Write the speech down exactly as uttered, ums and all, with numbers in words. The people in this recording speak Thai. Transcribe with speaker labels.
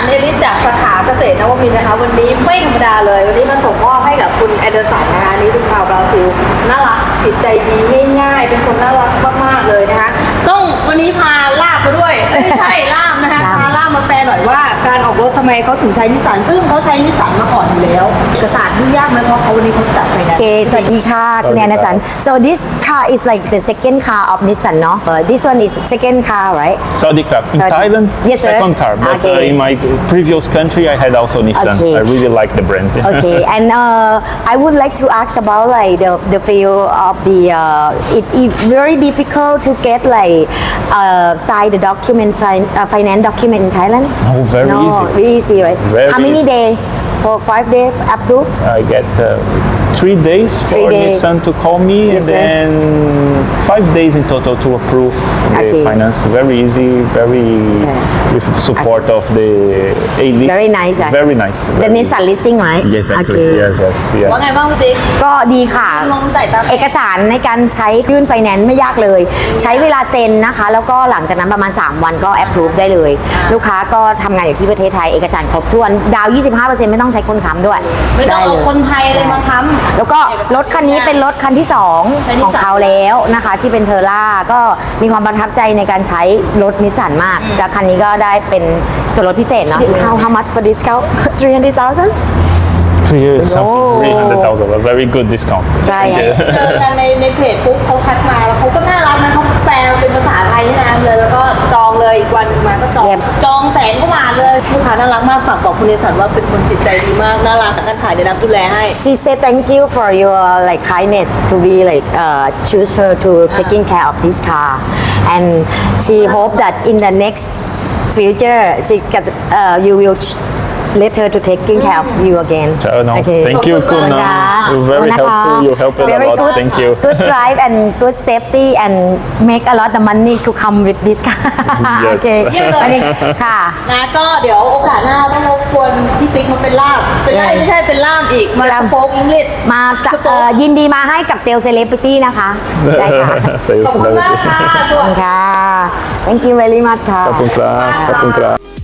Speaker 1: เอลิสจากสาขาเกษตรนวมินทร์นะคะวันนี้ไม่ธรรมดาเลยวันนี้มาส่งมอบให้กับคุณแอนเดอร์สันนะคะนี่เป็นชาวบราซิลน่ารักจิตใจดีง่ายๆเป็นคนน่ารักมากๆเลยนะคะต้องวันนี้พาลาบมาด้วยไม่ใช่ล่ามนะคะพาล่ามมาแปลหน่อยว่าการออกรถทำไมเขาถึงใช้นิสสันซึ่งเขาใช้นิสสันมาก่อนอยู่แล้วเอกสารยุ่งยากไหมเพราะเขาวันนี้เขาจัดไปนะ
Speaker 2: Okay, สวัสดีค่ะคุณแอนสัน so this car is like the second car of Nissan เนาะ uh, this one is second car right
Speaker 3: Saudi Club in
Speaker 2: Saudi-
Speaker 3: Thailand,
Speaker 2: Yes, sir.
Speaker 3: second car. But
Speaker 2: Okay.
Speaker 3: uh, in my previous country, I had also Nissan.
Speaker 2: Okay.
Speaker 3: I really like the brand.
Speaker 2: okay and uh, I would like to ask about like the the feel of the uh, it, it very difficult to get like uh, sign the document fin- uh, finance document in Thailand
Speaker 3: Oh, very
Speaker 2: no,
Speaker 3: easy.
Speaker 2: very easy right
Speaker 3: Very
Speaker 2: how many
Speaker 3: easy.
Speaker 2: days for five days approved
Speaker 3: I get uh, three days
Speaker 2: Three
Speaker 3: for
Speaker 2: days.
Speaker 3: Nissan to call me,
Speaker 2: Yes,
Speaker 3: and
Speaker 2: sir.
Speaker 3: then five days in total to approve the
Speaker 2: Okay.
Speaker 3: finance. Very easy, very with the support of the A-list.
Speaker 2: Very nice, ah.
Speaker 3: Very nice.
Speaker 2: the
Speaker 3: very-
Speaker 2: Nissan leasing right
Speaker 3: Yes, exactly.
Speaker 2: okay
Speaker 3: Yes, yes, yeah.
Speaker 1: ว่าไงบ้างพี่ติ๊ก
Speaker 2: ก็ดีค่ะ
Speaker 1: ลงไต่ตาม
Speaker 2: เอกสารในการใช้ยื่นไฟแนนซ์ไม่ยากเลย ใช้เวลาเซ็นนะคะ แล้วก็หลังจากนั้นประมาณ สาม วันก็แอปพรูฟได้เลย ลูกค้าก็ทำงานอยู่ที่ประเทศไทยเอกสารครบถ้วน ดาว ยี่สิบห้าเปอร์เซ็นต์ ไม่ต้องใช้คนค้ำด้วย
Speaker 1: ไม่ต้อง
Speaker 2: ด้
Speaker 1: เอา
Speaker 2: ลย
Speaker 1: คนไทยเลยมาค้ำ
Speaker 2: แล้วก็รถคันนี้เป็นรถคันที่ สอง
Speaker 1: เป็นนิ
Speaker 2: ข
Speaker 1: ส
Speaker 2: อง
Speaker 1: สัน
Speaker 2: เขาแล้วนะคะ ที่เป็นเทอร่าก็มีความประทับใจในการใช้รถนิสสันมากแล้วคันนี้ก็ได้เป็นส่วนลดพิเศษเนาะ how how much for discount three hundred thousand
Speaker 3: Three years,
Speaker 2: Oh.
Speaker 3: something, three hundred thousand. A very good discount.
Speaker 2: ใช่
Speaker 1: เจอกันในในเพจปุ๊บเขาทักมาแล้วเขาก็น่ารักนะเขาแปลเป็นภาษาไทยให้นางเลยแล้วก็จองเลยอีกวันมาก็จอง
Speaker 2: Yep.
Speaker 1: จองแสนกว่าบาทเลยลูกค้าน่ารักมากฝากบอกคุณเนสันว่าเป็นคนจิตใจดีมากน่ารักการขายเดี๋ยวนับดูแลให้
Speaker 2: She said thank you for your like kindness to be like uh, choose her to taking care of this car, and she hope that in the next future she get uh, you will ch- let her to taking care of you again.
Speaker 3: Ciao, no.
Speaker 2: Okay.
Speaker 3: Thank you,
Speaker 2: ขอบคุณ
Speaker 3: Kuna.
Speaker 2: ค่ะ
Speaker 3: You're very
Speaker 2: ขอบคุณนะคะ
Speaker 3: helpful. You help a
Speaker 2: Very
Speaker 3: lot.
Speaker 2: good,
Speaker 3: Thank you.
Speaker 2: good drive and good safety and make a lot of money to come with this car.
Speaker 3: Yes.
Speaker 2: Okay.
Speaker 1: เยี่ยมเลย
Speaker 2: วันนี้ค่ะ
Speaker 1: นะก็เดี๋ยวโอกาสหน้าต้องรบกวนพี่ติ๊กมาเป็นล่ามเป็นล่ามไม่ใช่เป็นล่ามอีกมา
Speaker 2: ล่าม
Speaker 1: สโป๊กอังกฤษ
Speaker 2: มาจะเอ่อยินดีมาให้กับเซลล์เซเลบริตี้นะคะ ได้ค่ะ
Speaker 3: Sales
Speaker 1: ขอบคุณมากค่ะ
Speaker 3: celebrity.
Speaker 1: สวัสดี
Speaker 2: ค่ะ thank you very much ค่ะ
Speaker 3: ขอบคุณครับขอบคุณครับ